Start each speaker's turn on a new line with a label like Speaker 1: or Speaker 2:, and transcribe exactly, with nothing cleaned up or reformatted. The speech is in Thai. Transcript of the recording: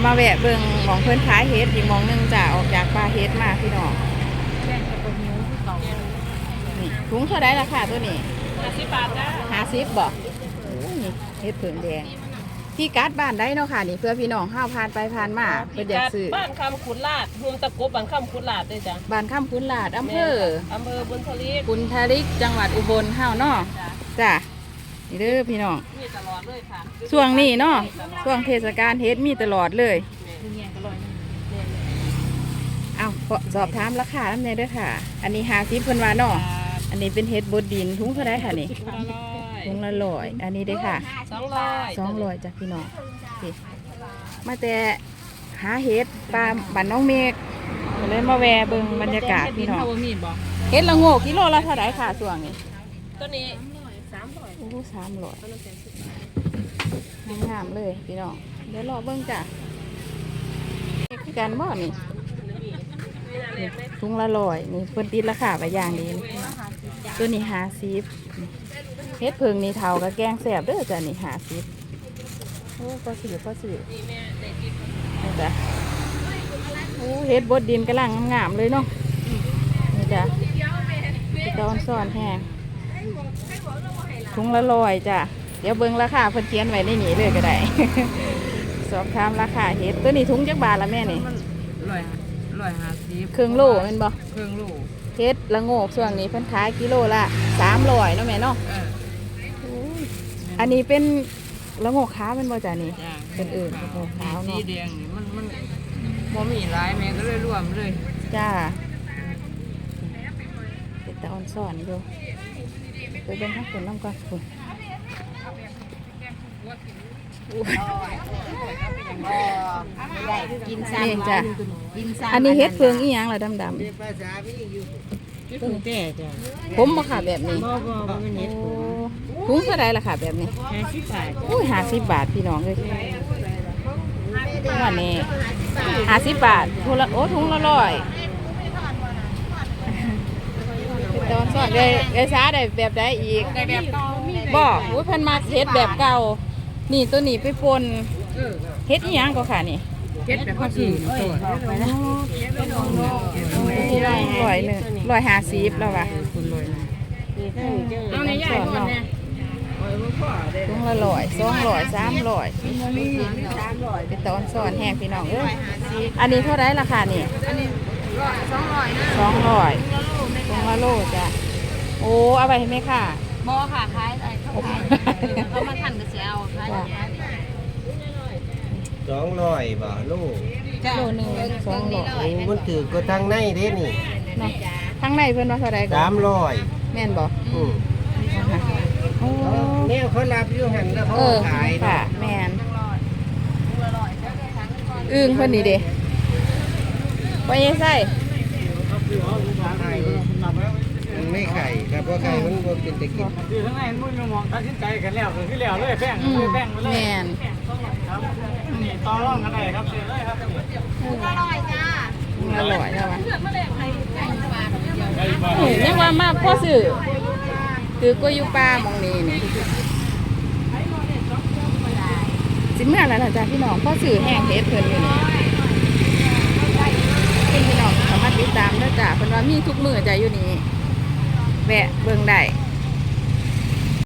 Speaker 1: มาแวะเบิ่งหมองเพิ่นขายเฮ็ดอีกหมองนึงจ้ะออกจากป่าเฮ็ดมาพี่น้องนี่ถุงเท่าไดราคาตัวนี้ห้าสิบบาทจ้ะห้าสิบบ่โอ้นี่เฮ็ดเผือกแดงที่การ์ดบ้านได้เนาะค่ะนี่เพื่อพี่น้องห้าวผ่านไปผ่านมาเพิ่นอยากซื้อ
Speaker 2: บ้านคำขุนลาดรวมตะกบบ้านคำขุนลาดด้วยจ้ะ
Speaker 1: บ้านคำขุนลาดอำเภอ
Speaker 2: อำเภอบุญทลิก
Speaker 1: บุญทลิกจังหวัดอุบลห้าวเนาะจ้ะนี่เด้อพี่น้อง
Speaker 2: มีตลอดเลยค่ะ
Speaker 1: ช่วงนี้เนาะช่วงเทศกาลเฮ็ดมีตลอดเลยเอาสอบถามราคาน้ำเนยด้วยค่ะอันนี้ห้าสิบเพิ่นว่าเนาะอันนี้เป็นเฮ็ดบดดินถุงเท่าไรค่ะนี่ถุงละร้อยอันนี้เด้อค่ะ
Speaker 2: สองร้อย
Speaker 1: สองร้อยจ้ะพี่น้องมาแต่หาเฮ็ดปลาบ้านน้องเมฆเลยมาแวะเบิ่งบรรยากาศพี่น้องเฮ็ดละโงกกิโลละเท่าไรค่ะส่วงนี้
Speaker 2: ตัวนี้สามร้อย
Speaker 1: โอ้สามร้อยงามเลยพี่น้องเดี๋ยวรอเบิ่งจ้ะการบ่อนี่ถุงละร้อยนี่เพิ่นติดราคาไปอย่างดีตัวนี้ห้าสิบเฮ็ดเพิงนี่เท่ากับแกงแซ่บเด้อจ้ะนี่ห้าสิบโอ้ก็สื่อก็สื่อนี่จ้ะโอ้เฮ็ดบดดินกำลังงามเลยเนาะนี่จ้ะตอนซ่อนแห้งถุงละร้อยจ้ะเดี๋ยวเบิ่งราคาเพิ่นเขียนไว้ในนี้เลยก็ได้ สอบถามราคาเฮ็ดตัวนี้ถุงจักบาทละแม่นี่
Speaker 2: ร้อยร้อยห้าสิบ
Speaker 1: ครึ่งโลแม่นบ่
Speaker 2: ครึ่งโล
Speaker 1: เฮ็ดละโงกช่วงนี้เพิ่นขายกิโลละสามร้อยเนาะแม่เนาะอันนี้เป็นละโงกขาวเป็นบ่จ้ะนี่เป็นอื่นละโงกขาวเนาะ
Speaker 2: สีแดงนี่มันมันบ่มีหลายแม่ก็เลยรวมเลย
Speaker 1: จ้าเป็นตาอ่อนซ่อนอยู่ไปเบิ่งข้างบนน้ำก่อนคุณ
Speaker 2: ได้กินซ้ำ
Speaker 1: จ้ะอันนี้เฮ็ดเฟืองอีหยังล่ะดำดำ
Speaker 2: เพิ่งแต่จ้ะ
Speaker 1: ผมบ่ค่ะแบบนี้
Speaker 2: บ่บ่บ่เป็นเฮ็ด
Speaker 1: ถุงเท่าไรล่ะค่ะแบบนี้
Speaker 2: ห้าสิบบาท
Speaker 1: อุ้ยห้าสิบบาทพี่น้องเลยวันนี้ห้าสิบบาทถุงละโอ้ถุงละร้อยตอนสอนเลยเลยช้าได้แบบได้อีก
Speaker 2: ได้แบบเก่า
Speaker 1: บอกว่าเพิ่นมาเฮ็ดแบบเก่านี่ตัวนี้ไปปนเฮ็ดอีหยังก็ค่ะนี่
Speaker 2: เฮ็ดแบบข้าวสี
Speaker 1: ร้อยร้อยหนึ่งร้อยห้าสิบแล้วว่ะ
Speaker 2: เอาในย่ายก่อนเนี่ย
Speaker 1: ถุงละร้อยสองร้อยสามร้อยเป็นตอนสอนแห้งพี่น้องเอ้ยอันนี้เท่าไรราคานี่
Speaker 2: สองร้อยนะ
Speaker 1: สองร้อยถุงละโลจ้ะโอ้เอาไปให้ไหมค่ะ
Speaker 2: บ่ค่ะขายอะไรเขาขายเขามาทันก็เสียเอาขาย
Speaker 3: สองร้อยบาทลูก
Speaker 1: โลหนึ่งสองร้อย
Speaker 3: มันถือก็ทางในเด้นี่
Speaker 1: เนาะทางในเพิ่นว่าเท่าไรก็
Speaker 3: สามร้อย
Speaker 1: แม่นบ่
Speaker 3: อืมเนี่ยเขารับอยู่หันแล้วเขาขาย
Speaker 1: ค่ะแม่นอึ้งเพิ่นนี่เด้ว่ายังไง
Speaker 3: มันไม่ไข่ครับเพราะไข่มันก็เป็นตะกิน
Speaker 2: คือทั้งในมุ่งมองตัดสินใจกันแล้วคือแล้วเลยแป้งเลยแป้งไปเลย
Speaker 1: แม่น
Speaker 2: ต่อรองกันได้ครับเสียเลยครับอร่อยจ้า
Speaker 1: อร่อยแล้ววะยังว่ามาพ่อสื่อคือกล้วยยูปลามองนี่นี่สิเมื่อแล้วจ้ะพี่น้องพ่อสื่อแห้งเฮ็ดเพิ่นอยู่นี่พี่น้องสามารถติดตามได้จ้ะเพิ่นว่ามีทุกมื้อจ้ะอยู่นี่แวะเบิ่งได้